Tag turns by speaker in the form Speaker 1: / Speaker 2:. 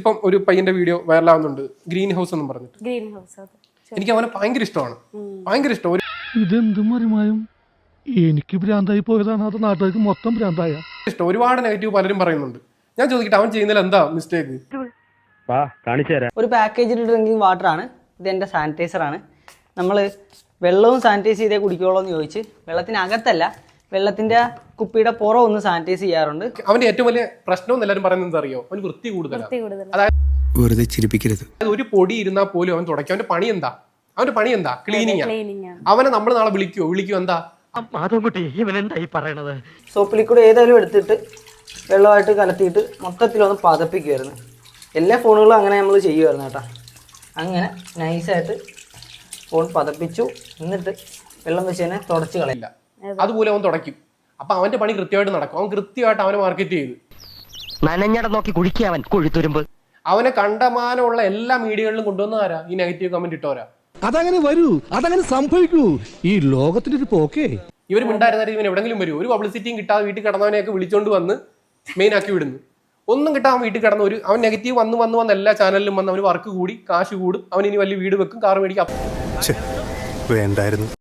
Speaker 1: ഇപ്പം ഒരു പയ്യന്റെ വീഡിയോ വൈറലാവുന്നുണ്ട്, ഗ്രീൻ ഹൗസ് എന്നും പറഞ്ഞിട്ട്.
Speaker 2: Green house.
Speaker 1: എനിക്ക് അവനെ ഭയങ്കര ഇഷ്ടമാണ്, ഭയങ്കര ഇഷ്ടം.
Speaker 3: ഇതെന്തും മറിമായും എനിക്ക് ഭ്രാന്തായി പോയതാണ്, അത് നാട്ടുകാർക്ക് മൊത്തം ഭ്രാന്തായ
Speaker 1: ഇഷ്ടം. ഒരുപാട് നെഗറ്റീവ് പലരും പറയുന്നുണ്ട്. ഞാൻ ചോദിക്കട്ടെ, അവൻ ചെയ്യുന്നതിൽ എന്താ മിസ്റ്റേക്ക്?
Speaker 4: ഒരു പാക്കേജിൽ ഡ്രിങ്കിങ് വാട്ടർ ആണ് ഇത്. എൻ്റെ സാനിറ്റൈസർ ആണ്. നമ്മൾ വെള്ളവും സാനിറ്റൈസ് ചെയ്തേ കുടിക്കുള്ളൂ എന്ന് ചോദിച്ച് വെള്ളത്തിനകത്തല്ല, വെള്ളത്തിന്റെ കുപ്പിയുടെ പുറം ഒന്ന് സാനിറ്റൈസ് ചെയ്യാറുണ്ട്.
Speaker 1: അവന്റെ ഏറ്റവും വലിയ പ്രശ്നം എല്ലാവരും പറയുന്നത് അറിയോ? അവന് വൃത്തി കൂടുതലാണ്. അതായത്
Speaker 5: വെറുതെ ചിരിപ്പിക്കരുത്.
Speaker 1: ഒരു പൊടി ഇരുന്നാൽ പോലും അവൻ തുടയ്ക്കും. അവന്റെ പണി എന്താ? ക്ലീനിങ്. അവനെ നമ്മൾ നാളെ വിളിക്കൂ എന്താ?
Speaker 4: സോപ്പ് ലിക്വിഡ് ഏതായാലും എടുത്തിട്ട് വെള്ളമായിട്ട് കലത്തിയിട്ട് മൊത്തത്തിലൊന്ന് പതപ്പിക്കുമായിരുന്നു. എല്ലാ ഫോണുകളും അങ്ങനെ നമ്മൾ ചെയ്യുമായിരുന്നു കേട്ടോ. അങ്ങനെ നൈസായിട്ട് ഫോൺ പതപ്പിച്ചു, എന്നിട്ട് വെള്ളം വെച്ച് തന്നെ തുടച്ച് കളയില്ല.
Speaker 1: അതുപോലെ അവൻ തുടയ്ക്കും. അപ്പൊ അവന്റെ പണി കൃത്യമായിട്ട് നടക്കും. അവൻ കൃത്യമായിട്ട് അവനെ മാർക്കറ്റ് ചെയ്ത്
Speaker 6: നനഞ്ഞട നോക്കി കുഴിക്കവൻ കൊഴുത്തുരുമ്പ്.
Speaker 1: അവനെ കണ്ടമാനമുള്ള എല്ലാ മീഡിയകളിലും കൊണ്ടുവന്ന ആരാ? ഈ നെഗറ്റീവ് കമന്റ് ഇട്ടോരാ.
Speaker 3: അതങ്ങനെ വരൂ, അതങ്ങനെ സംഭവിക്കൂ. ഈ ലോകത്തിന്റെ ഒരു പോക്കേ.
Speaker 1: ഇവർ മിണ്ടായിരുന്ന ഇവൻ എവിടെങ്കിലും വരും. ഒരു പബ്ലിസിറ്റിയും കിട്ടാതെ വീട്ടിൽ കിടന്നവനെയൊക്കെ വിളിച്ചോണ്ട് വന്ന് മെയിൻ ആക്കി വിടുന്നു. ഒന്നും കിട്ടാൻ വീട്ടിൽ കിടന്ന അവൻ നെഗറ്റീവ് വന്ന് എല്ലാ ചാനലിലും വന്ന് അവന് വർക്ക് കൂടി, കാശ് കൂടും. അവൻ ഇനി വലിയ വീട് വെക്കും, കാർ മേടിക്കും.
Speaker 5: വേണ്ടായിരുന്നു.